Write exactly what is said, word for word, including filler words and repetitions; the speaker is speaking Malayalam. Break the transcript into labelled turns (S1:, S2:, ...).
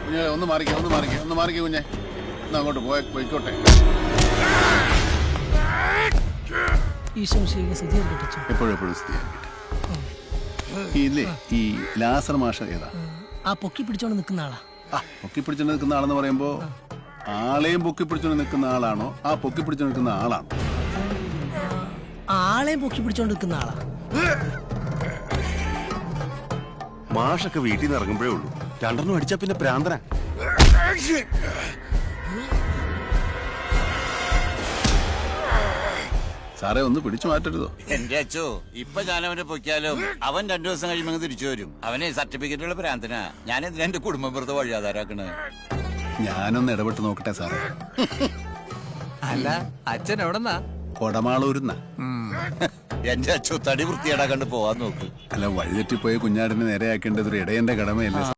S1: കുഞ്ഞെ ഒന്ന് മാറിക്കേ ഒന്ന് മാറിക്കേ ഒന്ന് മാറിക്കേ കുഞ്ഞെ ഒന്ന് അങ്ങോട്ട് പോയ പോയിക്കോട്ടെ. എപ്പോഴും എപ്പോഴും സ്ഥിരീകരിക്കട്ടെ. ഇല്ലേ ഈ ലാസർ മാഷ ഏതാ?
S2: ആ പൊക്കി പിടിച്ചോണ്ട് നിൽക്കുന്ന ആളാ.
S1: ആ പൊക്കി പിടിച്ചോണ്ട് നിൽക്കുന്ന ആളെന്ന് പറയുമ്പോ ആളെയും പൊക്കി പിടിച്ചോണ്ട് നിൽക്കുന്ന ആളാണോ ആ പൊക്കി പിടിച്ചോണ്ട് നിൽക്കുന്ന ആളാണോ?
S2: ആളെയും പൊക്കി പിടിച്ചോണ്ട് നിൽക്കുന്ന ആളാ.
S3: മാഷൊക്കെ വീട്ടിൽ നിന്ന് ഇറങ്ങുമ്പോഴേ ഉള്ളൂ രണ്ടെണ്ണം അടിച്ചാ പിന്നെ പ്രാന്തന.
S1: സാറേ ഒന്ന് പിടിച്ചു മാറ്റരുതോ?
S4: എന്റെ അച്ഛോ ഇപ്പൊ ഞാൻ അവനെ പൊക്കിയാലും അവൻ രണ്ടു ദിവസം കഴിയുമ്പോൾ തിരിച്ചു വരും. അവനെ സർട്ടിഫിക്കറ്റുള്ള പ്രാന്തനാ. ഞാൻ എന്തിനാ എന്റെ കുടുംബം വെറുതെ വഴിയാധാരാക്കണ്?
S1: ഞാനൊന്ന് ഇടപെട്ട് നോക്കട്ടെ സാറേ.
S5: അല്ല അച്ഛൻ എവിടെന്നാ?
S1: കൊടമാളൂരുന്ന.
S4: എന്റെ അച്ഛോ തടി വൃത്തിയേടാ കണ്ട് പോവാൻ നോക്ക്.
S1: അല്ല വഴിതെറ്റിപ്പോയ കുഞ്ഞാടിനെ നേരെയാക്കേണ്ടത് ഒരു ഇടയന്റെ കടമയല്ലേ?